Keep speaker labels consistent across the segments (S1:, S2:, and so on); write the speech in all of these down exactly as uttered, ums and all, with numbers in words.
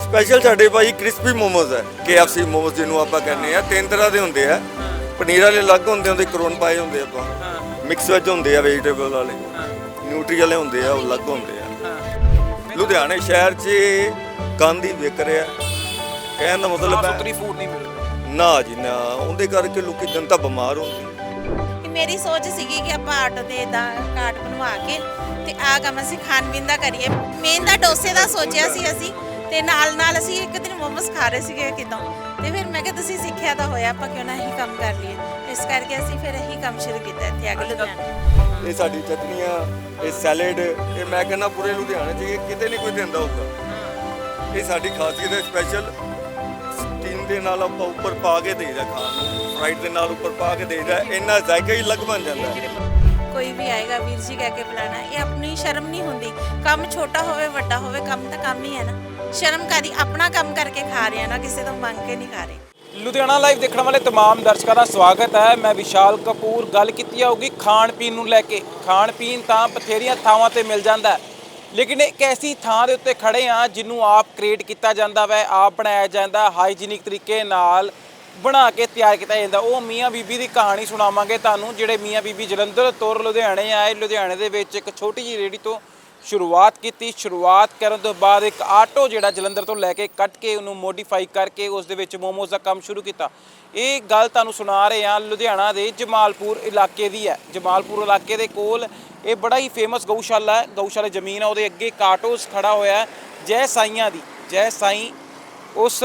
S1: Special ਸਾਡੇ ਭਾਈ crispy momos ਹੈ, ਕੇ ਐਫ ਸੀ ਮੋਮੋਜ਼ ਜਿਹਨੂੰ ਆਪਾਂ ਕਹਿੰਦੇ ਆ। ਤਿੰਨ ਤਰ੍ਹਾਂ ਦੇ ਹੁੰਦੇ ਆ, ਪਨੀਰ ਵਾਲੇ ਅਲੱਗ ਹੁੰਦੇ ਹੁੰਦੇ, ਕਰੋਨ ਪਾਏ ਹੁੰਦੇ ਆਪਾਂ, ਮਿਕਸ ਵੈਜ ਹੁੰਦੇ ਆ, ਵੈਜੀਟੇਬਲ ਵਾਲੇ, ਨਿਊਟਰੀ ਵਾਲੇ ਹੁੰਦੇ ਆ, ਉਹ ਅਲੱਗ ਹੁੰਦੇ ਆ। ਲੁਧਿਆਣੇ ਸ਼ਹਿਰ 'ਚ ਗੰਦ ਹੀ ਵਿਕ ਰਿਹਾ, ਕਹਿਣ ਦਾ ਮਤਲਬ ਹੈ
S2: ਸੁਥਰੀ ਫੂਡ ਨਹੀਂ ਮਿਲ ਰਿਹਾ
S1: ਨਾ ਜੀ ਨਾ, ਉਹਦੇ ਕਰਕੇ ਲੋਕੀ ਜਨਤਾ ਬਿਮਾਰ ਹੁੰਦੀ।
S3: ਮੇਰੀ ਸੋਚ ਸੀਗੀ ਕਿ ਆਪਾਂ ਆਟੋ ਦੇ ਦਾ ਕਾਰਟ ਬਣਵਾ ਕੇ ਤੇ ਆ ਕੰਮ ਅਸੀਂ ਖਾਣ ਪੀਣ ਦਾ ਕਰੀਏ। ਮੇਨ ਦਾ ਡੋਸੇ ਦਾ ਸੋਚਿਆ ਸੀ ਅਸੀਂ, ਤੇ ਨਾਲ ਨਾਲ ਅਸੀਂ ਇੱਕ ਦਿਨ ਮੋਮੋਸ ਖਾ ਰਹੇ ਸੀਗੇ ਕਿਤੋਂ, ਤੇ ਫਿਰ ਮੈਂ ਕਿਹਾ ਤੁਸੀਂ ਸਿੱਖਿਆ ਤਾਂ ਹੋਇਆ, ਆਪਾਂ ਕਿਉਂ ਨਾ ਇਹੀ ਕੰਮ ਕਰ ਲਈਏ। ਇਸ ਕਰਕੇ ਅਸੀਂ ਫਿਰ ਇਹੀ ਕੰਮ ਸ਼ੁਰੂ ਕੀਤਾ ਇੱਥੇ ਆ ਕੇ ਲੁਧਿਆਣੇ।
S1: ਇਹ ਸਾਡੀ ਚਟਨੀਆਂ, ਇਹ ਸੈਲਡ, ਇਹ ਮੈਂ ਕਹਿੰਦਾ ਪੂਰੇ ਲੁਧਿਆਣੇ 'ਚ ਇਹ ਕਿਤੇ ਨਹੀਂ ਕੋਈ ਦਿੰਦਾ ਹੋਊਗਾ। ਇਹ ਸਾਡੀ ਖਾਸੀਅਤ ਹੈ ਸਪੈਸ਼ਲ। ਸਟੀਮ ਦੇ ਨਾਲ ਆਪਾਂ ਉੱਪਰ ਪਾ ਕੇ ਦੇਈਦਾ ਖਾਣ ਨੂੰ, ਫਰਾਈਡ ਦੇ ਨਾਲ ਉੱਪਰ ਪਾ ਕੇ ਦੇਈਦਾ, ਇੰਨਾ ਜ਼ਾਇਕਾ ਹੀ ਅਲੱਗ ਬਣ ਜਾਂਦਾ।
S3: ਕੋਈ ਵੀ ਆਏਗਾ ਵੀਰ ਜੀ ਕਹਿ ਕੇ ਬੁਲਾਣਾ, ਇਹ ਆਪਣੀ ਸ਼ਰਮ ਨਹੀਂ ਹੁੰਦੀ। ਕੰਮ ਛੋਟਾ ਹੋਵੇ ਵੱਡਾ ਹੋਵੇ, ਕੰਮ ਤਾਂ ਕੰਮ ਹੀ ਹੈ ਨਾ। ਸ਼ਰਮ ਕਾਦੀ, ਆਪਣਾ ਕੰਮ ਕਰਕੇ ਖਾ ਰਹੇ ਆ ਨਾ, ਕਿਸੇ ਤੋਂ ਮੰਗ ਕੇ ਨਹੀਂ ਖਾ ਰਹੇ।
S2: ਲੁਧਿਆਣਾ ਲਾਈਵ ਦੇਖਣ ਵਾਲੇ तमाम ਦਰਸ਼ਕਾਂ ਦਾ ਸਵਾਗਤ ਹੈ। ਮੈਂ ਵਿਸ਼ਾਲ ਕਪੂਰ। ਗੱਲ ਕੀਤੀ ਜਾਊਗੀ ਖਾਣ ਪੀਣ ਨੂੰ ਲੈ ਕੇ। ਖਾਣ ਪੀਣ ਤਾਂ ਬਥੇਰੀਆਂ ਥਾਵਾਂ ਤੇ ਮਿਲ ਜਾਂਦਾ ਹੈ, ਲੇਕਿਨ ਇੱਕ ਐਸੀ ਥਾਂ ਦੇ ਉੱਤੇ ਖੜੇ ਆ ਜਿਹਨੂੰ ਆਪ ਕ੍ਰੀਏਟ ਕੀਤਾ ਜਾਂਦਾ ਵੈ, ਆਪ ਬਣਾਇਆ ਜਾਂਦਾ, ਹਾਈਜੀਨਿਕ ਤਰੀਕੇ ਨਾਲ ਬਣਾ ਕੇ ਤਿਆਰ ਕੀਤਾ ਜਾਂਦਾ। ਉਹ ਮੀਆਂ ਬੀਬੀ ਦੀ ਕਹਾਣੀ ਸੁਣਾਵਾਂਗੇ ਤੁਹਾਨੂੰ, ਜਿਹੜੇ ਮੀਆਂ ਬੀਬੀ ਜਲੰਧਰ ਤੋਂ ਲੁਧਿਆਣੇ ਆਏ। ਲੁਧਿਆਣੇ ਦੇ ਵਿੱਚ ਇੱਕ ਛੋਟੀ ਜਿਹੀ ਰੇਹੜੀ ਤੋਂ ਸ਼ੁਰੂਆਤ ਕੀਤੀ। ਸ਼ੁਰੂਆਤ ਕਰਨ ਤੋਂ ਬਾਅਦ ਇੱਕ ਆਟੋ ਜਿਹੜਾ ਜਲੰਧਰ ਤੋਂ ਲੈ ਕੇ ਕੱਟ ਕੇ ਉਹਨੂੰ ਮੋਡੀਫਾਈ ਕਰਕੇ ਉਸ ਦੇ ਵਿੱਚ ਮੋਮੋਜ਼ ਦਾ ਕੰਮ ਸ਼ੁਰੂ ਕੀਤਾ। ਇਹ ਗੱਲ ਤੁਹਾਨੂੰ ਸੁਣਾ ਰਹੇ ਹਾਂ, ਲੁਧਿਆਣਾ ਦੇ ਜਮਾਲਪੁਰ ਇਲਾਕੇ ਦੀ ਹੈ। ਜਮਾਲਪੁਰ ਇਲਾਕੇ ਦੇ ਕੋਲ ਇਹ ਬੜਾ ਹੀ ਫੇਮਸ ਗਊਸ਼ਾਲਾ ਹੈ। ਗਊਸ਼ਾਲਾ ਜ਼ਮੀਨ ਆ, ਉਹਦੇ ਅੱਗੇ ਇੱਕ ਆਟੋਸ ਖੜਾ ਹੋਇਆ ਜੈ ਸਾਈਆਂ ਦੀ। ਜੈ ਸਾਈਂ ਉਸ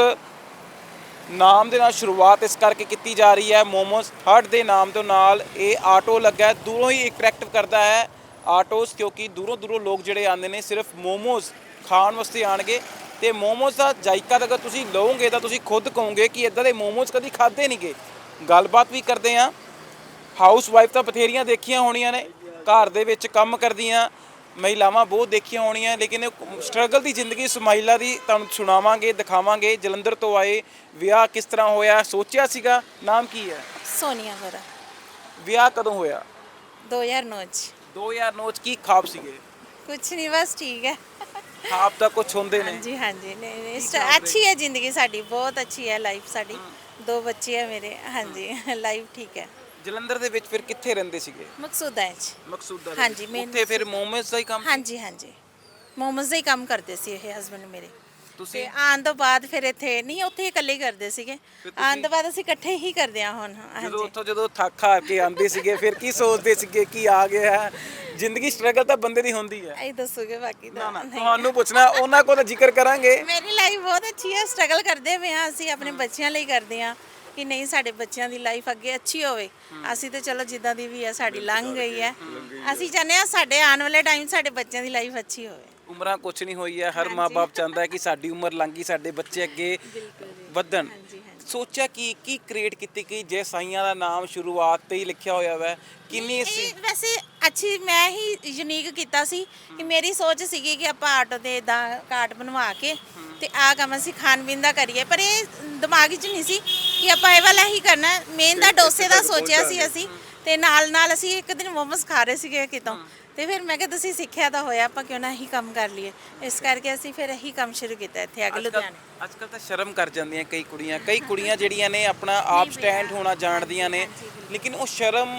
S2: ਨਾਮ ਦੇ ਨਾਲ ਸ਼ੁਰੂਆਤ ਇਸ ਕਰਕੇ ਕੀਤੀ ਜਾ ਰਹੀ ਹੈ। ਮੋਮੋਜ਼ ਹਟ ਦੇ ਨਾਮ ਤੋਂ ਨਾਲ ਇਹ ਆਟੋ ਲੱਗਾ, ਦੂਰੋਂ ਹੀ ਅਟਰੈਕਟਿਵ ਕਰਦਾ ਹੈ ਆਟੋਸ, ਕਿਉਂਕਿ ਦੂਰੋਂ ਦੂਰੋਂ ਲੋਕ ਜਿਹੜੇ ਆਉਂਦੇ ਨੇ ਸਿਰਫ ਮੋਮੋਜ਼ ਖਾਣ ਵਾਸਤੇ ਆਣਗੇ। ਤੇ ਮੋਮੋਜ਼ ਦਾ ਜਾਇਕਾ ਅਗਰ ਤੁਸੀਂ ਲਓਗੇ ਤਾਂ ਤੁਸੀਂ ਖੁਦ ਕਹੋਗੇ ਕਿ ਇੱਦਾਂ ਦੇ ਮੋਮੋਜ਼ ਕਦੀ ਖਾਦੇ ਨਹੀਂ ਗਏ। ਗੱਲਬਾਤ ਵੀ ਕਰਦੇ ਹਾਂ। ਹਾਊਸ ਵਾਈਫ ਤਾਂ ਬਥੇਰੀਆਂ ਦੇਖੀਆਂ ਹੋਣੀਆਂ ਨੇ, ਘਰ ਦੇ ਵਿੱਚ ਕੰਮ ਕਰਦੀਆਂ ਮਹਿਲਾਵਾਂ ਬਹੁਤ ਦੇਖੀਆਂ ਹੋਣੀਆਂ, ਲੇਕਿਨ ਸਟਰਗਲ ਦੀ ਜ਼ਿੰਦਗੀ ਸਮਾਈਲਾ ਦੀ ਤੁਹਾਨੂੰ ਸੁਣਾਵਾਂਗੇ, ਦਿਖਾਵਾਂਗੇ। ਜਲੰਧਰ ਤੋਂ ਆਏ, ਵਿਆਹ ਕਿਸ ਤਰ੍ਹਾਂ ਹੋਇਆ, ਸੋਚਿਆ ਸੀਗਾ। ਨਾਮ ਕੀ ਹੈ?
S3: ਸੋਨੀਆ ਮੇਰਾ।
S2: ਵਿਆਹ ਕਦੋਂ ਹੋਇਆ?
S3: ਦੋ ਹਜ਼ਾਰ ਨੌ ਚ।
S2: ਦੋ ਹਜ਼ਾਰ ਨੌ ਚ। ਕੀ ਖਾਬ ਸੀਗੇ?
S3: ਕੁਛ ਨਹੀਂ, ਬਸ ਠੀਕ ਹੈ।
S2: ਖਾਬ ਤਾਂ ਕੁਛ ਹੁੰਦੇ ਨੇ।
S3: ਹਾਂਜੀ ਹਾਂਜੀ, ਨਹੀਂ ਨਹੀਂ, ਅੱਛੀ ਹੈ ਜ਼ਿੰਦਗੀ ਸਾਡੀ, ਬਹੁਤ ਅੱਛੀ ਹੈ ਲਾਈਫ ਸਾਡੀ। ਦੋ ਬੱਚੇ ਹੈ ਮੇਰੇ। ਹਾਂਜੀ, ਲਾਈਫ ਠੀਕ ਹੈ।
S2: ਜਲੰਧਰ ਦੇ ਵਿੱਚ ਫਿਰ ਕਿੱਥੇ ਰਹਿੰਦੇ ਸੀਗੇ?
S3: ਮਕਸੂਦਾਂ ਚ।
S2: ਮਕਸੂਦਾਂ।
S3: ਹਾਂਜੀ, ਮੇਨ
S2: ਉੱਥੇ ਫਿਰ ਮੋਮੋਜ਼ ਦਾ ਹੀ ਕੰਮ?
S3: ਹਾਂਜੀ ਹਾਂਜੀ, ਮੋਮੋਜ਼ ਦਾ ਹੀ ਕੰਮ ਕਰਦੇ ਸੀ ਇਹ ਹਸਬੰਡ ਮੇਰੇ।
S2: ਤੁਸੀਂ?
S3: ਤੇ ਆਉਣ ਤੋਂ ਬਾਅਦ ਫਿਰ ਇੱਥੇ ਨਹੀਂ, ਉੱਥੇ ਹੀ ਇਕੱਲੇ ਹੀ ਕਰਦੇ ਸੀਗੇ। ਆਉਣ ਤੋਂ ਬਾਅਦ ਅਸੀਂ ਇਕੱਠੇ ਹੀ ਕਰਦੇ ਆ ਹੁਣ।
S2: ਜਦੋਂ
S3: ਹਾਂਜੀ,
S2: ਉੱਥੋਂ ਜਦੋਂ ਥੱਕ ਹਾਰ ਕੇ ਆਉਂਦੇ ਸੀਗੇ ਫਿਰ ਕੀ ਸੋਚਦੇ ਸੀਗੇ ਕੀ ਆ ਗਿਆ ਹੈ? ਜ਼ਿੰਦਗੀ ਸਟਰਗਲ ਤਾਂ ਬੰਦੇ ਦੀ ਹੁੰਦੀ ਹੈ।
S3: ਇਹ ਦੱਸੋਗੇ ਬਾਕੀ ਦਾ ਨਹੀਂ।
S2: ਤੁਹਾਨੂੰ ਪੁੱਛਣਾ, ਉਹਨਾਂ ਕੋਲ ਜ਼ਿਕਰ ਕਰਾਂਗੇ।
S3: ਮੇਰੀ ਲਾਈਫ ਬਹੁਤ ਅੱਛੀ ਹੈ, ਸਟਰਗਲ ਕਰਦੇ ਪਏ ਹਾਂ ਅਸੀਂ, ਆਪਣੇ ਬੱਚਿਆਂ ਲਈ ਕਰਦੇ ਹਾਂ ਕਿ ਨਹੀਂ ਸਾਡੇ ਬੱਚਿਆਂ ਦੀ ਲਾਈਫ ਅੱਗੇ ਅੱਛੀ ਹੋਵੇ। ਅਸੀਂ ਤੇ ਚਲੋ ਜਿੱਦਾਂ ਦੀ ਵੀ ਹੈ ਸਾਡੀ ਲੰਘ ਗਈ ਹੈ, ਅਸੀਂ ਚਾਹੁੰਦੇ ਹਾਂ ਸਾਡੇ ਆਉਣ ਵਾਲੇ ਟਾਈਮ ਸਾਡੇ ਬੱਚਿਆਂ ਦੀ ਲਾਈਫ ਅੱਛੀ ਹੋਵੇ।
S2: ਉਮਰਾਂ ਕੁਛ ਨਹੀਂ ਹੋਈ ਹੈ, ਹਰ ਮਾਂ-ਬਾਪ ਚਾਹੁੰਦਾ ਹੈ ਕਿ ਸਾਡੀ ਉਮਰ ਲੰਘੀ, ਸਾਡੇ ਬੱਚੇ ਅੱਗੇ ਵਧਣ। ਸੋਚਿਆ ਕਿ ਕੀ ਕ੍ਰੀਏਟ ਕੀਤੀ ਕਿ ਜੇ ਸਾਈਆਂ ਦਾ ਨਾਮ ਸ਼ੁਰੂਆਤ ਤੇ ਹੀ ਲਿਖਿਆ ਹੋਇਆ ਵਾ, ਕਿੰਨੀ
S3: ਇਹ ਵੈਸੇ ਅੱਛੀ ਮੈਂ ਹੀ ਯੂਨੀਕ ਕੀਤਾ ਸੀ ਕਿ ਮੇਰੀ ਸੋਚ ਸੀਗੀ ਕਿ ਆਪਾਂ ਆਟੋ ਦੇ ਦਾ ਕਾਰਟ ਬਣਵਾ ਕੇ ਤੇ ਆ ਕੰਮ ਅਸੀਂ ਖਾਣ ਪੀਣ ਦਾ ਕਰੀਏ, ਪਰ ਇਹ ਦਿਮਾਗ 'ਚ ਨਹੀਂ ਸੀ ਕਿ ਆਪਾਂ ਇਹ ਵਾਲਾ ਹੀ ਕਰਨਾ। ਮੇਨ ਦਾ ਡੋਸੇ ਦਾ ਸੋਚਿਆ ਸੀ ਅਸੀਂ, ਤੇ ਨਾਲ ਨਾਲ ਅਸੀਂ ਇੱਕ ਦਿਨ ਮੋਮੋਸ ਖਾ ਰਹੇ ਸੀਗੇ ਕਿਤੋਂ, ਤੇ ਫਿਰ ਮੈਂ ਕਿਹਾ ਤੁਸੀਂ ਸਿੱਖਿਆ ਤਾਂ ਹੋਇਆ, ਆਪਾਂ ਕਿਉਂ ਨਾ ਇਹੀ ਕੰਮ ਕਰ ਲਈਏ। ਇਸ ਕਰਕੇ ਅਸੀਂ ਫਿਰ ਇਹੀ ਕੰਮ ਸ਼ੁਰੂ ਕੀਤਾ ਇੱਥੇ ਆ ਕੇ ਲੁਧਿਆਣੇ।
S2: ਅੱਜ ਕੱਲ੍ਹ ਤਾਂ ਸ਼ਰਮ ਕਰ ਜਾਂਦੀਆਂ ਕਈ ਕੁੜੀਆਂ, ਕਈ ਕੁੜੀਆਂ ਜਿਹੜੀਆਂ ਨੇ ਆਪਣਾ ਆਪ ਸਟੈਂਡ ਹੋਣਾ ਜਾਣਦੀਆਂ ਨੇ, ਲੇਕਿਨ ਉਹ ਸ਼ਰਮ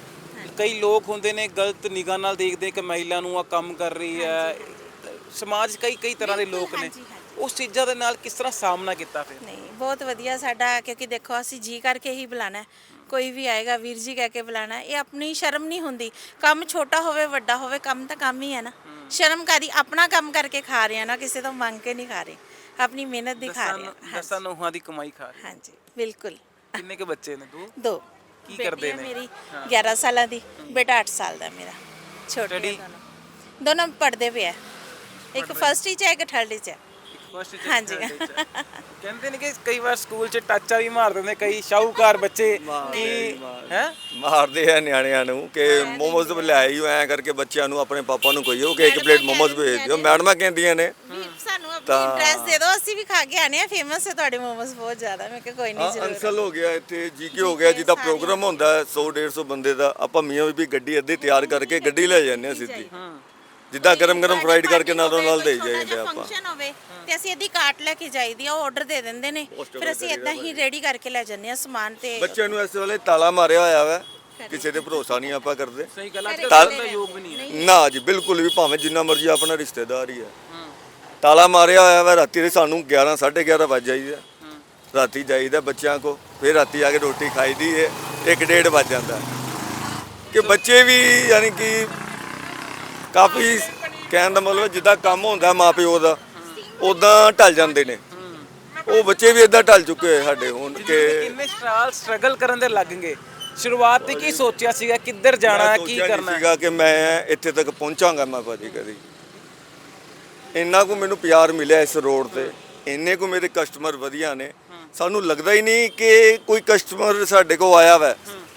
S2: ਕਈ ਲੋਕ ਹੁੰਦੇ ਨੇ ਗਲਤ ਨਿਗਾਹ ਨਾਲ ਦੇਖਦੇ ਕਿ ਮਹਿਲਾ ਨੂੰ ਆ ਕੰਮ ਕਰ ਰਹੀ ਹੈ। ਸਮਾਜ ਕਈ ਕਈ ਤਰ੍ਹਾਂ ਦੇ ਲੋਕ ਨੇ, ਉਸ ਚੀਜ਼ਾਂ ਦੇ ਨਾਲ ਕਿਸ ਤਰ੍ਹਾਂ ਸਾਹਮਣਾ ਕੀਤਾ ਫਿਰ?
S3: ਨਹੀਂ, ਬਹੁਤ ਵਧੀਆ ਸਾਡਾ, ਕਿਉਂਕਿ ਦੇਖੋ ਅਸੀਂ ਜੀ ਕਰਕੇ ਹੀ ਬੁਲਾਣਾ, ਕੋਈ ਵੀ ਆਏਗਾ ਵੀਰ ਜੀ ਕਹਿ ਕੇ ਬੁਲਾਣਾ। ਇਹ ਆਪਣੀ ਸ਼ਰਮ ਨਹੀਂ ਹੁੰਦੀ। ਕੰਮ ਛੋਟਾ ਹੋਵੇ ਵੱਡਾ ਹੋਵੇ, ਕੰਮ ਤਾਂ ਕੰਮ ਹੀ ਹੈ ਨਾ। ਸ਼ਰਮ ਕਾਦੀ, ਆਪਣਾ ਕੰਮ ਕਰਕੇ ਖਾ ਰਹੇ ਆ ਨਾ, ਕਿਸੇ ਤੋਂ ਮੰਗ ਕੇ ਨਹੀਂ ਖਾ ਰਹੇ, ਆਪਣੀ ਮਿਹਨਤ ਦੀ ਖਾ ਰਹੇ ਆ।
S2: ਦਸਾਂ ਨੋਹਾਂ ਦੀ ਕਮਾਈ ਖਾ ਰਹੇ।
S3: ਹਾਂਜੀ ਬਿਲਕੁਲ।
S2: ਕਿੰਨੇ ਕੁ ਬੱਚੇ ਨੇ? ਦੋ।
S3: ਦੋ।
S2: ਕੀ ਕਰਦੇ ਨੇ?
S3: ਮੇਰੀ ਗਿਆਰਾਂ ਸਾਲਾਂ ਦੀ, ਬੇਟਾ ਅੱਠ ਸਾਲ ਦਾ ਮੇਰਾ। ਛੋਟੇ ਦੋਨੋਂ ਦੋਨੋਂ ਪੜ੍ਹਦੇ ਪਏ ਆ, ਇੱਕ ਫਸਟ 'ਚ ਹੈ ਇੱਕ ਥਰਡ 'ਚ ਹੈ। ਹਾਂਜੀ।
S2: ਕਹਿੰਦੇ ਨੇ ਕਿ ਕਈ ਵਾਰ ਸਕੂਲ 'ਚ ਟਾਚਾ ਵੀ ਮਾਰ ਦਿੰਦੇ ਕਈ ਸ਼ਾਹੂਕਾਰ ਬੱਚੇ, ਕੀ ਹੈ
S1: ਮਾਰਦੇ ਆ ਨਿਆਣਿਆਂ ਨੂੰ ਕਿ ਮੋਮੋਜ਼ ਲਿਆਈ ਹੋ ਐ ਕਰਕੇ ਬੱਚਿਆਂ ਨੂੰ ਆਪਣੇ ਪਾਪਾ ਨੂੰ ਕਹੀਓ ਕਿ ਇੱਕ ਪਲੇਟ ਮੋਮੋਜ਼ ਭੇਜ ਦਿਓ। ਮੈਡਮਾਂ ਕਹਿੰਦੀਆਂ ਨੇ
S3: ਸਾਨੂੰ ਆਪਣੀ ਐਡਰੈਸ ਦੇ ਦਿਓ, ਅਸੀਂ ਵੀ ਖਾ ਕੇ ਆਨੇ ਆ, ਫੇਮਸ ਹੈ ਤੁਹਾਡੇ ਮੋਮੋਜ਼ ਬਹੁਤ ਜ਼ਿਆਦਾ। ਮੈਂ ਕਿਹਾ ਕੋਈ ਨਹੀਂ ਜ਼ਰੂਰ।
S1: ਅੰਸਲ ਹੋ ਗਿਆ ਇੱਥੇ, ਜੀਕੇ ਹੋ ਗਿਆ, ਜਿੱਦਾਂ ਪ੍ਰੋਗਰਾਮ ਹੁੰਦਾ ਸੌ ਡੇਢ ਸੌ ਬੰਦੇ ਦਾ, ਆਪਾਂ ਮੀਆਂ ਬੀਬੀ ਗੱਡੀ ਅੱਧੀ ਤਿਆਰ ਕਰਕੇ ਗੱਡੀ ਲੈ ਜਾਂਦੇ ਆ ਸਿੱਧੀ। ਜਿੱਦਾਂ ਗਰਮ ਗਰਮ ਫਰਾਈਡ ਕਰਕੇ ਨਾਲੋਂ ਨਾਲ ਦੇ ਜਾਈਦੇ ਆਪਾਂ।
S3: ਫੰਕਸ਼ਨ ਹੋਵੇ ਤੇ ਅਸੀਂ ਇਹਦੀ ਕਾਟ ਲੈ ਕੇ ਜਾਈਦੀ ਆ, ਉਹ ਆਰਡਰ ਦੇ ਦਿੰਦੇ ਨੇ, ਫਿਰ ਅਸੀਂ ਇਦਾਂ ਹੀ ਰੈਡੀ ਕਰਕੇ ਲੈ ਜਾਂਦੇ ਆ ਸਮਾਨ। ਤੇ
S1: ਬੱਚਿਆਂ ਨੂੰ ਇਸ ਵੇਲੇ ਤਾਲਾ ਮਾਰਿਆ ਹੋਇਆ ਵਾ, ਕਿਸੇ ਤੇ ਭਰੋਸਾ ਨਹੀਂ ਆਪਾਂ ਕਰਦੇ।
S2: ਸਹੀ ਗੱਲ ਹੈ,
S1: ਤਾਲ-
S2: ਅੱਜ ਦਾ ਯੋਗ ਵੀ ਨਹੀਂ ਹੈ।
S1: ਨਾ ਜੀ ਬਿਲਕੁਲ ਵੀ, ਭਾਵੇਂ ਜਿੰਨਾ ਮਰਜ਼ੀ ਆਪਣਾ ਰਿਸ਼ਤੇਦਾਰ ਹੀ ਹੈ, ਤਾਲਾ ਮਾਰਿਆ ਹੋਇਆ ਵਾ। ਰਾਤੀ ਦੇ ਸਾਨੂੰ ਗਿਆਰਾਂ ਸਾਢੇ ਗਿਆਰਾਂ ਵੱਜ ਜਾਈਦਾ, ਰਾਤੀ ਜਾਈਦਾ ਬੱਚਿਆਂ ਕੋ, ਫਿਰ ਰਾਤੀ ਆ ਕੇ ਰੋਟੀ ਖਾਈਦੀ ਹੈ, ਇੱਕ ਡੇਢ ਵੱਜ ਜਾਂਦਾ ਕਿ ਬੱਚੇ ਵੀ ਯਾਨੀ ਕਿ ਕਾਫੀ ਕਹਿਣ ਦਾ ਮਤਲਬ ਜਿੱਦਾਂ ਕੰਮ ਹੁੰਦਾ ਮਾਪਿਓ ਦਾ ਉਦਾਂ ਢਲ ਜਾਂਦੇ ਨੇ, ਉਹ ਬੱਚੇ ਵੀ ਇਦਾਂ ਢਲ ਚੁੱਕੇ ਹੋਏ ਸਾਡੇ ਹੁਣ ਕਿ
S2: ਕਿੰਨੇ ਸਾਲ ਸਟਰਗਲ ਕਰਨ ਦੇ ਲੱਗਣਗੇ। ਸ਼ੁਰੂਆਤ ਤੇ ਕੀ ਸੋਚਿਆ ਸੀਗਾ, ਕਿੱਧਰ ਜਾਣਾ ਹੈ, ਕੀ
S1: ਸੋਚਿਆ ਨਹੀਂ
S2: ਕਰਨਾ ਹੈ?
S1: ਸੀਗਾ ਕਿ ਮੈਂ ਇੱਥੇ ਤੱਕ ਪਹੁੰਚਾਂਗਾ ਮੈਂ ਭਾਜੀ ਕਦੀ। ਇੰਨਾ ਕੁ ਮੈਨੂੰ ਪਿਆਰ ਮਿਲਿਆ ਇਸ ਰੋਡ ਤੇ, ਇੰਨੇ ਕੁ ਮੇਰੇ ਕਸਟਮਰ ਵਧੀਆ ਨੇ, ਸਾਨੂੰ ਲੱਗਦਾ ਹੀ ਨਹੀਂ ਕਿ ਕੋਈ ਕਸਟਮਰ ਸਾਡੇ ਕੋਲ ਆਇਆ ਵਾ।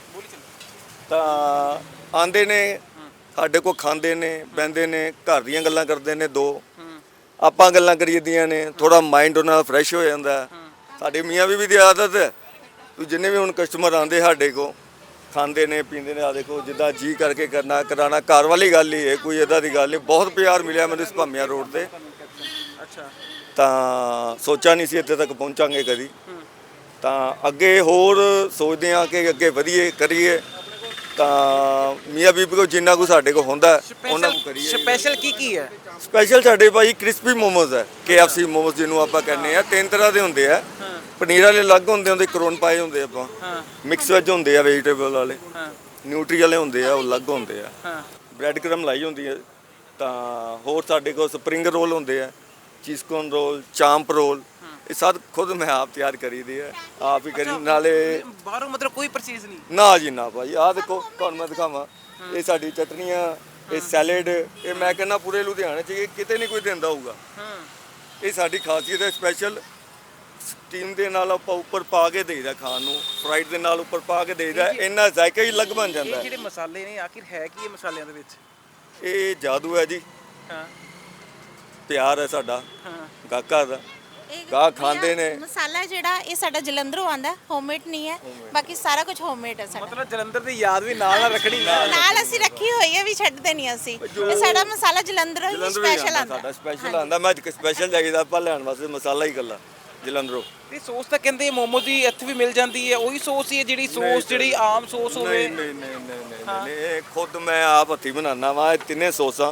S1: ਤਾਂ ਆਂਦੇ ਨੇ ਸਾਡੇ ਕੋਲ, ਖਾਂਦੇ ਨੇ, ਬਹਿੰਦੇ ਨੇ, ਘਰ ਦੀਆਂ ਗੱਲਾਂ ਕਰਦੇ ਨੇ, ਦੋ ਆਪਾਂ ਗੱਲਾਂ ਕਰੀਦੀਆਂ ਨੇ, ਥੋੜਾ ਮਾਈਂਡ ਉਹਨਾਂ ਦਾ ਫਰੈਸ਼ ਹੋ ਜਾਂਦਾ। ਸਾਡੇ ਮੀਆਂ ਬੀਬੀ ਦੀ ਆਦਤ ਹੈ, ਜਿੰਨੇ ਵੀ ਹੁਣ ਕਸਟਮਰ ਆਂਦੇ ਸਾਡੇ ਕੋਲ ਖਾਂਦੇ ਨੇ ਪੀਂਦੇ ਨੇ, ਆ ਦੇਖੋ ਜਿੱਦਾਂ ਜੀ ਕਰਕੇ ਕਰਨਾ ਕਰਾਣਾ, ਘਰ ਵਾਲੀ ਗੱਲ ਹੀ ਹੈ, ਕੋਈ ਇਦਾਂ ਦੀ ਗੱਲ ਨਹੀਂ। ਬਹੁਤ ਪਿਆਰ ਮਿਲਿਆ ਮੈਨੂੰ ਇਸ ਭਾਮੀਆਂ ਰੋਡ ਤੇ।
S2: ਅੱਛਾ,
S1: ਤਾਂ ਸੋਚਿਆ ਨਹੀਂ ਸੀ ਇੱਥੇ ਤੱਕ ਪਹੁੰਚਾਂਗੇ ਕਦੀ। ਤਾਂ ਅੱਗੇ ਹੋਰ ਸੋਚਦੇ ਹਾਂ ਕਿ ਅੱਗੇ ਵਧੀਏ ਕਰੀਏ, ਤਾਂ ਮੀਆਂ ਬੀਬੀ ਕੋਲ ਜਿੰਨਾ ਕੁ ਸਾਡੇ ਕੋਲ ਹੁੰਦਾ ਉਹਨਾਂ ਨੂੰ ਕਰੀਏ।
S2: ਸਪੈਸ਼ਲ ਕੀ ਕੀ ਹੈ?
S1: ਸਪੈਸ਼ਲ ਸਾਡੇ ਭਾਈ ਕ੍ਰਿਸਪੀ ਮੋਮੋਜ਼ ਹੈ, ਕੇ ਐਫ ਸੀ ਮੋਮੋਜ਼ ਜਿਹਨੂੰ ਆਪਾਂ ਕਹਿੰਦੇ ਆ। ਤਿੰਨ ਤਰ੍ਹਾਂ ਦੇ ਹੁੰਦੇ ਆ, ਪਨੀਰ ਵਾਲੇ ਅਲੱਗ ਹੁੰਦੇ, ਉਹਦੇ ਕਰੋਨ ਪਾਏ ਹੁੰਦੇ ਆਪਾਂ, ਮਿਕਸ ਵੈਜ ਹੁੰਦੇ ਆ, ਵੈਜੀਟੇਬਲ ਵਾਲੇ, ਨਿਊਟਰੀ ਵਾਲੇ ਹੁੰਦੇ ਆ, ਉਹ ਅਲੱਗ ਹੁੰਦੇ ਆ, ਬ੍ਰੈਡ ਕਰਮ ਲਾਈ ਹੁੰਦੀ ਹੈ। ਤਾਂ ਹੋਰ ਸਾਡੇ ਕੋਲ ਸਪਰਿੰਗ ਰੋਲ ਹੁੰਦੇ ਆ, ਚੀਜ਼ ਕੋਰਨ ਰੋਲ, ਚਾਂਪ ਰੋਲ, ਇਹ ਸਭ ਖੁਦ ਮੈਂ ਆਪ ਤਿਆਰ ਕਰੀਦੀ ਹੈ, ਆਪ ਹੀ ਕਰੀ। ਨਾਲੇ
S2: ਬਾਹਰੋਂ ਮਤਲਬ ਕੋਈ ਪਰਚੇਜ਼ ਨਹੀਂ?
S1: ਨਾ ਜੀ ਨਾ ਭਾਈ, ਆਹ ਦੇਖੋ ਤੁਹਾਨੂੰ ਮੈਂ ਦਿਖਾਵਾਂ, ਇਹ ਸਾਡੀ ਚਟਨੀਆਂ, ਇਹ ਸੈਲਡ, ਇਹ ਮੈਂ ਕਹਿੰਦਾ ਪੂਰੇ ਲੁਧਿਆਣੇ 'ਚ ਇਹ ਕਿਤੇ ਨਹੀਂ ਕੋਈ ਦਿੰਦਾ ਹੋਊਗਾ। ਇਹ ਸਾਡੀ ਖਾਸੀਅਤ ਹੈ। ਸਪੈਸ਼ਲ ਸਟੀਮ ਦੇ ਨਾਲ ਆਪਾਂ ਉੱਪਰ ਪਾ ਕੇ ਦੇਈਦਾ ਖਾਣ ਨੂੰ, ਫਰਾਈਡ ਦੇ ਨਾਲ ਉੱਪਰ ਪਾ ਕੇ ਦੇਈਦਾ, ਇੰਨਾ ਜ਼ਾਇਕਾ ਹੀ ਅਲੱਗ ਬਣ ਜਾਂਦਾ
S2: ਇਹ
S1: ਹੈ।
S2: ਜਿਹੜੇ ਮਸਾਲੇ ਨੇ ਆਖਿਰ ਹੈ ਕੀ ਇਹ ਮਸਾਲਿਆਂ ਦੇ ਵਿੱਚ?
S1: ਇਹ ਜਾਦੂ ਹੈ ਜੀ,
S2: ਹਾਂ
S1: ਪਿਆਰ ਹੈ ਸਾਡਾ
S2: ਹਾਂ
S1: ਗਾਹਕਾਂ ਦਾ,
S3: ਇਹ
S1: ਗਾਹਕ ਖਾਂਦੇ ਨੇ।
S3: ਮਸਾਲਾ ਜਿਹੜਾ ਇਹ ਸਾਡਾ ਜਲੰਧਰੋਂ ਆਂਦਾ, ਹੋਮਮੇਡ ਨਹੀਂ ਹੈ, ਬਾਕੀ ਸਾਰਾ ਕੁਝ ਹੋਮਮੇਡ ਹੈ ਸਾਡਾ।
S2: ਮਤਲਬ ਜਲੰਧਰ ਦੀ ਯਾਦ ਵੀ ਨਾਲ ਨਾਲ ਰੱਖਣੀ ਨਾਲ
S3: ਨਾਲ ਅਸੀਂ ਰੱਖੀ ਹੋਈ ਹੈ, ਵੀ ਛੱਡਦੇ ਨਹੀਂ ਅਸੀਂ। ਇਹ ਸਾਡਾ ਮਸਾਲਾ ਜਲੰਧਰੋਂ ਹੀ
S1: ਜਲੰਧਰੋਂ ਹੀ
S3: ਸਪੈਸ਼ਲ
S1: ਆਉਂਦਾ,
S3: ਆਂਦਾ।
S1: ਸਾਡਾ ਸਪੈਸ਼ਲ ਆਂਦਾ। ਮੈਂ ਸਪੈਸ਼ਲ ਜਾਈਦਾ ਆਪਾਂ ਲੈਣ ਵਾਸਤੇ ਮਸਾਲਾ ਹੀ ਇਕੱਲਾ ਜਲੰਧਰੋਂ।
S2: ਤੇ ਸੌਸ ਤਾਂ ਕਹਿੰਦੇ ਮੋਮੋ ਦੀ ਇੱਥੇ ਵੀ ਮਿਲ ਜਾਂਦੀ ਹੈ, ਉਹੀ ਸੌਸ ਹੀ ਹੈ ਜਿਹੜੀ ਸੌਸ ਜਿਹੜੀ ਆਮ ਸੌਸ ਹੋਵੇ?
S1: ਨਹੀਂ ਨਹੀਂ ਨਹੀਂ ਨਹੀਂ ਨਹੀਂ ਨਹੀਂ, ਇਹ ਖੁਦ ਮੈਂ ਆਪ ਹੱਥੀਂ ਬਣਾਉਣਾ ਵਾ ਇਹ ਤਿੰਨੇ ਸੌਸਾਂ।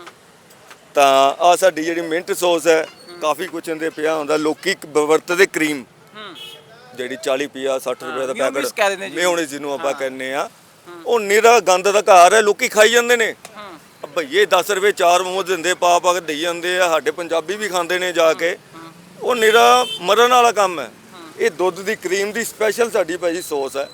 S1: ਤਾਂ ਆ ਸਾਡੀ ਜਿਹੜੀ ਮਿੰਟ ਸੌਸ ਹੈ, ਕਾਫੀ ਕੁਛ ਇਹਦੇ ਪਿਆ ਹੁੰਦਾ। ਲੋਕੀ ਵਰਤਦੇ ਕਰੀਮ ਜਿਹੜੀ ਚਾਲੀ ਪੰਜਾਹ ਸੱਠ ਰੁਪਏ ਦਾ
S2: ਮਿਓਨੀਜ਼ ਕਹਿ ਦਿੰਦੇ
S1: ਪੈਕਟ,
S2: ਜੀ।
S1: ਮਿਓਨੀਜ਼ ਜਿਹਨੂੰ ਆਪਾਂ ਕਹਿੰਦੇ ਆ, ਉਹ ਨਿਰਾ ਗੰਦ ਦਾ ਘਰ ਹੈ, ਲੋਕੀ ਖਾਈ ਜਾਂਦੇ ਨੇ। ਭਈਏ ਦਸ ਰੁਪਏ ਚਾਰ ਮੋਮੋ ਦਿੰਦੇ, ਪਾ ਪਾ ਕੇ ਦੇਈ ਜਾਂਦੇ ਆ। ਸਾਡੇ ਪੰਜਾਬੀ ਵੀ ਖਾਂਦੇ ਨੇ ਜਾ ਕੇ, ਉਹ ਨਿਰਾ ਮਰਨ ਵਾਲਾ ਕੰਮ ਹੈ। ਇਹ ਦੁੱਧ ਦੀ ਕਰੀਮ ਦੀ ਸਪੈਸ਼ਲ ਸਾਡੀ ਭਾਜੀ ਸੌਸ ਹੈ।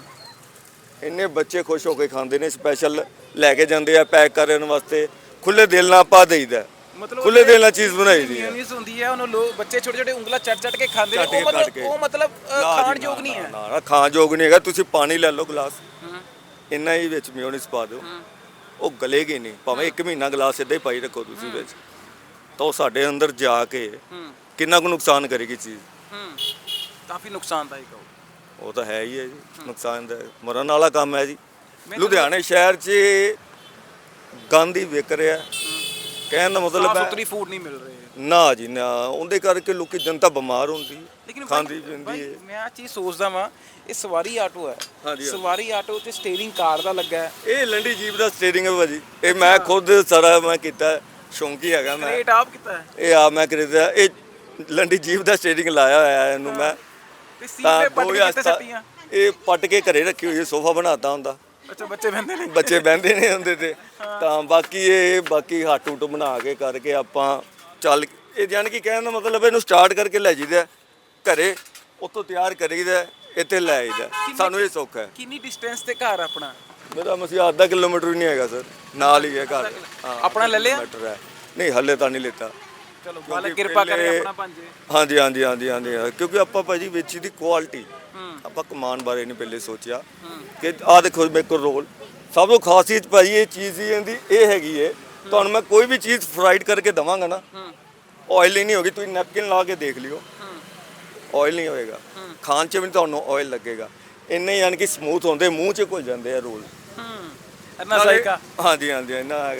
S1: ਇੰਨੇ ਬੱਚੇ ਖੁਸ਼ ਹੋ ਕੇ ਖਾਂਦੇ ਨੇ, ਸਪੈਸ਼ਲ ਲੈ ਕੇ ਜਾਂਦੇ ਆ ਪੈਕ ਕਰਨ ਵਾਸਤੇ। ਖੁੱਲੇ ਦਿਲ ਨਾਲ ਪਾ ਦੇਈਦਾ,
S2: ਮਤਲਬ
S1: ਖੁੱਲੇ ਦਿਲ ਨਾਲ ਚੀਜ਼ ਬਣਾਈ ਦੀ ਹੈ।
S2: ਮਿਓਨੀਜ਼ ਹੁੰਦੀ ਹੈ, ਉਹਨੂੰ ਲੋਕ ਬੱਚੇ ਛੋਟੇ ਛੋਟੇ ਉਂਗਲਾਂ ਚੱਟ ਚੱਟ ਕੇ ਖਾਂਦੇ ਨੇ,
S1: ਚੱਟ ਕੇ
S2: ਉਹ
S1: ਕੱਟ
S2: ਮਤਲਬ
S1: ਕੇ।
S2: ਉਹ ਮਤਲਬ ਅ,
S1: ਨਾ ਜੀ,
S2: ਖਾਣ
S1: ਨਾ,
S2: ਯੋਗ ਨਹੀਂ ਹੈ।
S1: ਨਾ ਨਾ ਖਾਣ ਯੋਗ ਨਹੀਂ ਹੈਗਾ। ਤੁਸੀਂ ਪਾਣੀ ਲੈ ਲਓ ਗਲਾਸ, ਇੰਨਾ ਹੀ ਵਿੱਚ ਮਿਓਨੀਜ਼ ਪਾ ਦਿਓ, ਉਹ ਗਲੇਗੀ ਨਹੀਂ। ਭਾਵੇਂ ਇੱਕ ਮਹੀਨਾ ਗਲਾਸ ਸਿੱਧਾ ਹੀ ਪਾਈ ਰੱਖੋ ਤੁਸੀਂ ਵਿੱਚ, ਤਾਂ ਉਹ ਸਾਡੇ ਅੰਦਰ ਜਾ ਕੇ ਕਿੰਨਾ ਕੁ ਨੁਕਸਾਨ ਕਰੇਗੀ ਚੀਜ਼।
S2: ਕਾਫੀ ਨੁਕਸਾਨਦਾਇਕ ਹੋ।
S1: ਉਹ ਤਾਂ ਹੈ ਹੀ ਹੈ ਜੀ, ਨੁਕਸਾਨ ਦਾ ਮਰਨ ਵਾਲਾ ਕੰਮ ਹੈ ਜੀ। ਲੁਧਿਆਣੇ ਸ਼ਹਿਰ 'ਚ ਗੰਦ ਹੀ ਵਿਕ ਰਿਹਾ, ਕਹਿਣ ਦਾ ਮਤਲਬ
S2: ਸਾਫ
S1: ਹੈ
S2: ਸੁਥਰੀ ਫੂਡ ਨਹੀਂ ਮਿਲ ਰਹੀ।
S1: ਨਾ ਜੀ ਨਾ, ਉਹਦੇ ਕਰਕੇ ਲੋਕੀ ਜਨਤਾ ਬਿਮਾਰ ਹੁੰਦੀ ਹੈ,
S2: ਲੇਕਿਨ
S1: ਖਾਂਦੀ
S2: ਭਾਈ-
S1: ਪੀਂਦੀ
S2: ਭਾਈ,
S1: ਹੈ।
S2: ਮੈਂ ਆ ਚੀਜ਼ ਸੋਚਦਾ ਵਾਂ, ਇਹ ਸਵਾਰੀ ਆਟੋ ਹੈ,
S1: ਹਾਂਜੀ, ਹਾਂਜੀ।
S2: ਸਵਾਰੀ ਆਟੋ ਤੇ ਸਟੀਅਰਿੰਗ ਕਾਰ ਦਾ ਲੱਗਾ ਹੈ,
S1: ਇਹ ਲੰਡੀ ਜੀਪ ਦਾ ਸਟੀਅਰਿੰਗ ਹੈ ਭਾਜੀ, ਇਹ ਮੈਂ ਖੁਦ ਸਾਰਾ ਮੈਂ ਕੀਤਾ, ਸ਼ੌਂਕੀ ਹੈਗਾ ਮੈਂ।
S2: ਰੇਟ ਆਪ ਕੀਤਾ ਹੈ
S1: ਇਹ ਆ ਮੈਂ ਖਰੀਦਿਆ, ਇਹ ਲੰਡੀ ਜੀਪ ਦਾ ਸਟੀਅਰਿੰਗ ਲਾਇਆ ਹੋਇਆ ਹੈ ਇਹਨੂੰ ਮੈਂ।
S2: ਤੇ ਸੀਟ
S1: ਤਾਂ
S2: ਤੇ ਪੱਟ
S1: ਦੋ
S2: ਕੇ
S1: ਹਜ਼ਾਰ
S2: ਕਿੱਥੇ
S1: ਸੱਤ-
S2: ਸੱਟੀਆਂ?
S1: ਇਹ ਪੱਟ ਕੇ ਘਰੇ ਰੱਖੀ ਹੋਈ ਹੈ, ਸੋਫਾ ਬਣਾਤਾ ਹੁੰਦਾ,
S2: ਅੱਛਾ, ਬੱਚੇ ਬੰਦੇ ਨੇ,
S1: ਬੱਚੇ ਬਹਿੰਦੇ ਨੇ ਹੁੰਦੇ ਤੇ। ਤਾਂ ਬਾਕੀ ਇਹ ਬਾਕੀ ਹੱਟ ਹੁੱਟ ਬਣਾ ਕੇ ਕਰਕੇ ਆਪਾਂ ਚੱਲ, ਇਹ ਜਾਣ ਕੀ ਕਹਿਣ ਦਾ ਮਤਲਬ ਇਹਨੂੰ ਸਟਾਰਟ ਕਰਕੇ ਲੈ ਜੀਦਾ ਘਰੇ, ਉੱਥੋਂ ਤਿਆਰ ਕਰੀਦਾ, ਇੱਥੇ ਲੈ ਆਈਦਾ। ਸਾਨੂੰ ਇਹ ਸੁੱਖ ਹੈ।
S2: ਕਿੰਨੀ ਡਿਸਟੈਂਸ ਤੇ ਘਰ ਆਪਣਾ?
S1: ਮੇਰਾ ਮਸੀਹਾ ਅੱਧਾ ਕਿਲੋਮੀਟਰ ਵੀ ਨਹੀਂ ਹੈਗਾ ਸਰ, ਨਾਲ ਹੀ ਹੈ ਘਰ। ਹਾਂ,
S2: ਆਪਣਾ ਲੈ ਲਿਆ?
S1: ਕਿਲੋਮੀਟਰ ਹੈ। ਨਹੀਂ ਹੱਲੇ ਤਾਂ ਨਹੀਂ ਲਿੱਤਾ।
S2: ਚਲੋ ਮਾਲਕ ਕਿਰਪਾ ਕਰੇ
S1: ਪਹਿਲੇ-
S2: ਆਪਣਾ ਭਾਂਜੇ।
S1: ਹਾਂਜੀ ਹਾਂਜੀ ਹਾਂਜੀ ਹਾਂਜੀ ਹਾਂ, ਕਿਉਂਕਿ ਆਪਾਂ ਭਾਜੀ ਵਿੱਚ ਦੀ ਕੁਆਲਿਟੀ, ਆਪਾਂ ਕਮਾਨ ਬਾਰੇ ਨਹੀਂ ਪਹਿਲੇ ਸੋਚਿਆ ਕਿ ਆਹ ਦੇਖੋ ਮੇਰੇ ਕੋਲ ਰੋਲ, ਸਭ ਤੋਂ ਖਾਸੀਅਤ ਭਾਜੀ ਇਹ ਚੀਜ਼ ਹੀ ਇਹਦੀ ਇਹ ਹੈਗੀ ਹੈ, ਤੁਹਾਨੂੰ ਮੈਂ ਕੋਈ ਵੀ ਚੀਜ਼ ਫਰਾਈਡ ਕਰਕੇ ਦਵਾਂਗਾ ਨਾ, ਆਇਲ ਹੀ ਨਹੀਂ ਹੋਗੀ। ਤੁਸੀਂ ਨੈਪਕਿਨ ਲਾ ਕੇ ਦੇਖ ਲਿਓ, ਆਇਲ ਨਹੀਂ ਹੋਏਗਾ, ਖਾਣ 'ਚ ਵੀ ਤੁਹਾਨੂੰ ਆਇਲ ਲੱਗੇਗਾ। ਇੰਨੇ ਯਾਨੀ ਕਿ ਸਮੂਥ ਹੁੰਦੇ, ਮੂੰਹ 'ਚ ਘੁਲ ਜਾਂਦੇ ਆ ਰੋਲ।
S2: ਇੰਨਾ ਜ਼ਾਇਕਾ।
S1: ਹਾਂਜੀ ਹਾਂਜੀ ਇੰਨਾ ਹੈਗਾ।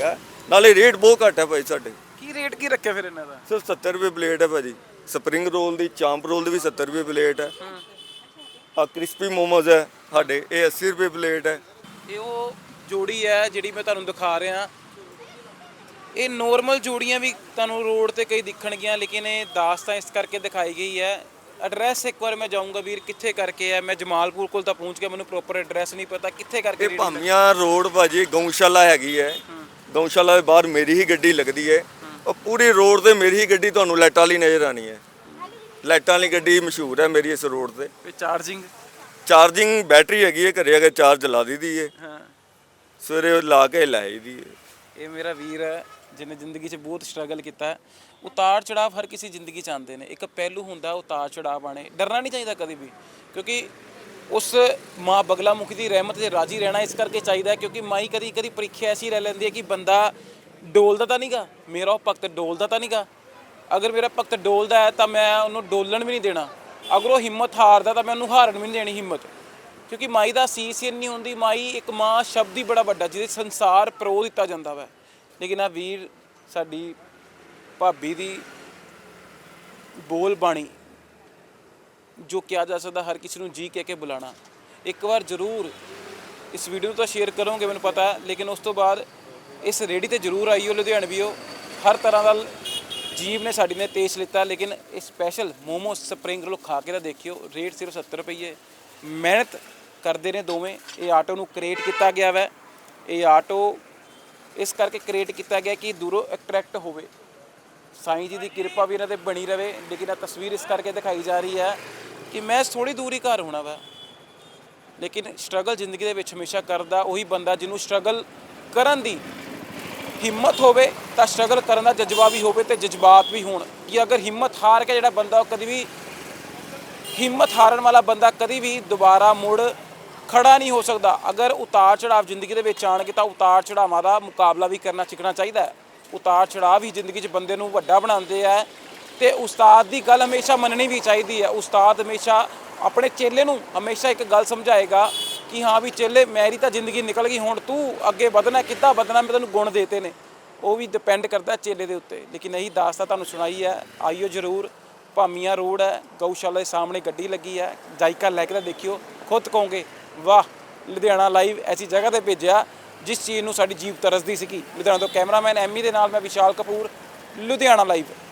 S1: ਨਾਲੇ ਰੇਟ ਬਹੁਤ ਘੱਟ ਹੈ ਭਾਈ ਸਾਡੇ।
S2: ਕੀ ਰੇਟ ਕੀ ਰੱਖਿਆ ਫਿਰ ਇਹਨਾਂ ਦਾ?
S1: ਸਿਰਫ ਸੱਤਰ ਰੁਪਏ ਪਲੇਟ ਹੈ ਭਾਜੀ। ਸਪਰਿੰਗ ਰੋਲ ਦੀ, ਚਾਂਪ ਰੋਲ ਦੀ ਵੀ ਸੱਤਰ ਰੁਪਏ ਪਲੇਟ ਹੈ। ਆ ਕ੍ਰਿਸਪੀ ਮੋਮੋਜ਼ ਹੈ ਸਾਡੇ, ਇਹ ਅੱਸੀ ਰੁਪਏ ਪਲੇਟ ਹੈ।
S2: ਇਹ ਉਹ ਜੋੜੀ ਹੈ ਜਿਹੜੀ ਮੈਂ ਤੁਹਾਨੂੰ ਦਿਖਾ ਰਿਹਾ। ਇਹ ਨੋਰਮਲ ਜੋੜੀਆਂ ਵੀ ਤੁਹਾਨੂੰ ਰੋਡ ਤੇ ਕਈ ਦਿਖਣਗੀਆਂ, ਲੇਕਿਨ ਇਹ ਦਾਸਤਾਨ ਇਸ ਕਰਕੇ ਦਿਖਾਈ ਗਈ ਹੈ। ਐਡਰੈਸ ਇੱਕ ਵਾਰ ਮੈਂ ਜਾਊਂਗਾ ਵੀਰ, ਕਿੱਥੇ ਕਰਕੇ ਹੈ? ਮੈਂ ਜਮਾਲਪੁਰ ਕੋਲ ਤਾਂ ਪਹੁੰਚ ਗਿਆ, ਮੈਨੂੰ ਪ੍ਰੋਪਰ ਐਡਰੈਸ ਨਹੀਂ ਪਤਾ ਕਿੱਥੇ ਕਰਕੇ।
S1: ਇਹ ਭਾਮੀਆਂ ਰੋਡ ਭਾਜੀ ਗਊਸ਼ਾਲਾ ਹੈਗੀ ਹੈ। ਗਊਸ਼ਾਲਾ ਦੇ ਬਾਹਰ ਮੇਰੀ ਹੀ ਗੱਡੀ ਲੱਗਦੀ ਹੈ। ਉਹ ਪੂਰੀ ਰੋਡ ਤੇ ਮੇਰੀ ਹੀ ਗੱਡੀ ਤੁਹਾਨੂੰ ਲਾਈਟਾਂ ਵਾਲੀ ਨਜ਼ਰ ਆਣੀ ਹੈ। ਲਾਈਟਾਂ ਵਾਲੀ ਗੱਡੀ ਮਸ਼ਹੂਰ ਹੈ ਮੇਰੀ ਇਸ ਰੋਡ ਤੇ।
S2: ਤੇ ਚਾਰਜਿੰਗ
S1: ਚਾਰਜਿੰਗ ਬੈਟਰੀ ਹੈਗੀ ਹੈ, ਘਰੇ ਅਗਰ ਚਾਰਜ ਲਾ ਦਿੱਤੀ ਹੈ,
S2: ਹਾਂ,
S1: ਸਵੇਰੇ ਲਾ ਕੇ ਲੈ ਆਈਦੀ ਹੈ।
S2: ਇਹ ਮੇਰਾ ਵੀਰ ਹੈ ਜਿਹਨੇ ਜ਼ਿੰਦਗੀ 'ਚ ਬਹੁਤ ਸਟਰਗਲ ਕੀਤਾ ਹੈ। ਉਤਾਰ ਚੜਾਵ ਹਰ ਕਿਸੇ ਜ਼ਿੰਦਗੀ 'ਚ ਆਉਂਦੇ ਨੇ, ਇੱਕ ਪਹਿਲੂ ਹੁੰਦਾ ਉਤਾਰ ਚੜਾਵ ਆਣੇ। ਡਰਨਾ ਨਹੀਂ ਚਾਹੀਦਾ ਕਦੇ ਵੀ, ਕਿਉਂਕਿ ਉਸ ਮਾਂ ਬਗਲਾ ਮੁਖੀ ਦੀ ਰਹਿਮਤ 'ਤੇ ਰਾਜੀ ਰਹਿਣਾ ਇਸ ਕਰਕੇ ਚਾਹੀਦਾ, ਕਿਉਂਕਿ ਮਾਈ ਕਦੀ ਕਦੀ ਪ੍ਰੀਖਿਆ ਐਸੀ ਰਹਿ ਲੈਂਦੀ ਹੈ ਕਿ ਬੰਦਾ ਡੋਲਦਾ ਤਾਂ ਨਹੀਂਗਾ, ਮੇਰਾ ਉਹ ਭਗਤ ਡੋਲਦਾ ਤਾਂ ਨਹੀਂਗਾ। ਅਗਰ ਮੇਰਾ ਭਗਤ ਡੋਲਦਾ ਹੈ ਤਾਂ ਮੈਂ ਉਹਨੂੰ ਡੋਲਣ ਵੀ ਨਹੀਂ ਦੇਣਾ। ਅਗਰ ਉਹ ਹਿੰਮਤ ਹਾਰਦਾ ਤਾਂ ਮੈਂ ਉਹਨੂੰ ਹਾਰਨ ਵੀ ਨਹੀਂ ਦੇਣੀ ਹਿੰਮਤ, ਕਿਉਂਕਿ ਮਾਈ ਦਾ ਸੀਸ ਹੀ ਨਹੀਂ ਹੁੰਦੀ। ਮਾਈ ਇੱਕ ਮਾਂ ਸ਼ਬਦ ਹੀ ਬੜਾ ਵੱਡਾ ਜਿਹਦੇ ਸੰਸਾਰ ਪਰੋ ਦਿੱਤਾ ਜਾਂਦਾ ਵਾ। ਲੇਕਿਨ ਆ ਵੀਰ ਸਾਡੀ ਭਾਬੀ ਦੀ ਬੋਲ ਬਾਣੀ ਜੋ ਕਿਹਾ ਜਾ ਸਕਦਾ, ਹਰ ਕਿਸੇ ਨੂੰ ਜੀ ਕਹਿ ਕੇ ਬੁਲਾਣਾ। ਇੱਕ ਵਾਰ ਜ਼ਰੂਰ ਇਸ ਵੀਡੀਓ ਨੂੰ ਤਾਂ ਸ਼ੇਅਰ ਕਰੋਗੇ ਮੈਨੂੰ ਪਤਾ, ਲੇਕਿਨ ਉਸ ਤੋਂ ਬਾਅਦ ਇਸ ਰੇਹੜੀ ਤੇ ਜ਼ਰੂਰ ਆਈਓ, ਲੁਧਿਆਣਵੀਓ। ਹਰ ਤਰ੍ਹਾਂ ਦਾ ਜੀਵ ਨੇ ਸਾਡੀ ਨੇ ਟੇਸਟ ਲਿੱਤਾ, ਲੇਕਿਨ ਇਹ ਸਪੈਸ਼ਲ ਮੋਮੋ ਸਪਰਿੰਗ ਰੋਲ ਖਾ ਕੇ ਤਾਂ ਦੇਖਿਓ। ਰੇਟ ਸਿਰਫ ਸੱਤਰ ਰੁਪਏ। ਮਿਹਨਤ ਕਰਦੇ ਨੇ ਦੋਵੇਂ। ਇਹ ਆਟੋ ਨੂੰ ਕ੍ਰੀਏਟ ਕੀਤਾ ਗਿਆ ਵੈ। ਇਹ ਆਟੋ ਇਸ ਕਰਕੇ ਕ੍ਰੀਏਟ ਕੀਤਾ ਗਿਆ ਕਿ ਦੂਰੋਂ ਅਟਰੈਕਟ ਹੋਵੇ। ਸਾਈਂ ਜੀ ਦੀ ਕਿਰਪਾ ਵੀ ਇਹਨਾਂ ਤੇ ਬਣੀ ਰਵੇ। ਲੇਕਿਨ ਇਹ ਤਸਵੀਰ ਇਸ ਕਰਕੇ ਦਿਖਾਈ ਜਾ ਰਹੀ ਹੈ ਕਿ ਮੈਂ ਥੋੜੀ ਦੂਰ ਹੀ ਘਰ ਹੋਣਾ ਵਾ, ਲੇਕਿਨ ਸਟਰਗਲ ਜ਼ਿੰਦਗੀ ਦੇ ਵਿੱਚ ਹਮੇਸ਼ਾ ਕਰਦਾ ਉਹੀ ਬੰਦਾ ਜਿਹਨੂੰ ਸਟਰਗਲ ਕਰਨ ਦੀ ਹਿੰਮਤ ਹੋਵੇ, ਤਾਂ ਸਟਰਗਲ ਕਰਨ ਦਾ ਜਜ਼ਬਾ ਵੀ ਹੋਵੇ ਤੇ ਜਜ਼ਬਾਤ ਵੀ ਹੋਣ। ਕਿ ਅਗਰ ਹਿੰਮਤ ਹਾਰ ਕੇ ਜਿਹੜਾ ਬੰਦਾ ਉਹ ਕਦੀ ਵੀ ਹਿੰਮਤ ਹਾਰਨ ਵਾਲਾ ਬੰਦਾ ਕਦੀ ਵੀ ਦੁਬਾਰਾ ਮੁੜ ਖੜਾ ਨਹੀਂ ਹੋ ਸਕਦਾ। ਅਗਰ ਉਤਾਰ ਚੜਾਵ ਜ਼ਿੰਦਗੀ ਦੇ ਵਿੱਚ ਆਣਗੇ ਤਾਂ ਉਤਾਰ ਚੜਾਵਾਂ ਦਾ ਮੁਕਾਬਲਾ ਵੀ ਕਰਨਾ ਸਿੱਖਣਾ ਚਾਹੀਦਾ ਹੈ। ਉਤਾਰ ਚੜਾਵ ਹੀ ਜ਼ਿੰਦਗੀ 'ਚ ਬੰਦੇ ਨੂੰ ਵੱਡਾ ਬਣਾਉਂਦੇ ਆ, ਤੇ ਉਸਤਾਦ ਦੀ ਗੱਲ ਹਮੇਸ਼ਾ ਮੰਨਣੀ ਵੀ ਚਾਹੀਦੀ ਹੈ। ਉਸਤਾਦ ਹਮੇਸ਼ਾ ਆਪਣੇ ਚੇਲੇ ਨੂੰ ਹਮੇਸ਼ਾ ਇੱਕ ਗੱਲ ਸਮਝਾਏਗਾ ਕਿ ਹਾਂ ਵੀ ਚੇਲੇ, ਮੇਰੀ ਤਾਂ ਜ਼ਿੰਦਗੀ ਨਿਕਲ ਗਈ, ਹੁਣ ਤੂੰ ਅੱਗੇ ਵਧਣਾ, ਕਿੱਦਾਂ ਵਧਣਾ, ਮੈਂ ਤੈਨੂੰ ਗੁਣ ਦੇਤੇ ਨੇ। ਉਹ ਵੀ ਡਿਪੈਂਡ ਕਰਦਾ ਚੇਲੇ ਦੇ ਉੱਤੇ। ਲੇਕਿਨ ਇਹੀ ਦਾਸਤਾਨ ਤੁਹਾਨੂੰ ਸੁਣਾਈ ਹੈ। ਆਈਓ ਜ਼ਰੂਰ। ਭਾਮੀਆਂ ਰੋਡ ਹੈ, ਗਊਸ਼ਾਲਾ ਦੇ ਸਾਹਮਣੇ ਗੱਡੀ ਲੱਗੀ ਹੈ। ਜਾਇਕਾ ਲੈ ਕੇ ਤਾਂ ਦੇਖਿਓ, ਖੁਦ ਕਹੋਗੇ ਵਾਹ, ਲੁਧਿਆਣਾ ਲਾਈਵ ਐਸੀ ਜਗ੍ਹਾ ਤੇ ਭੇਜਿਆ ਜਿਸ ਚੀਜ਼ ਨੂੰ ਸਾਡੀ ਜੀਭ ਤਰਸਦੀ ਸੀਗੀ। ਲੁਧਿਆਣਾ ਤੋਂ ਕੈਮਰਾਮੈਨ ਐਮੀ ਦੇ ਨਾਲ ਮੈਂ ਵਿਸ਼ਾਲ ਕਪੂਰ, ਲੁਧਿਆਣਾ ਲਾਈਵ।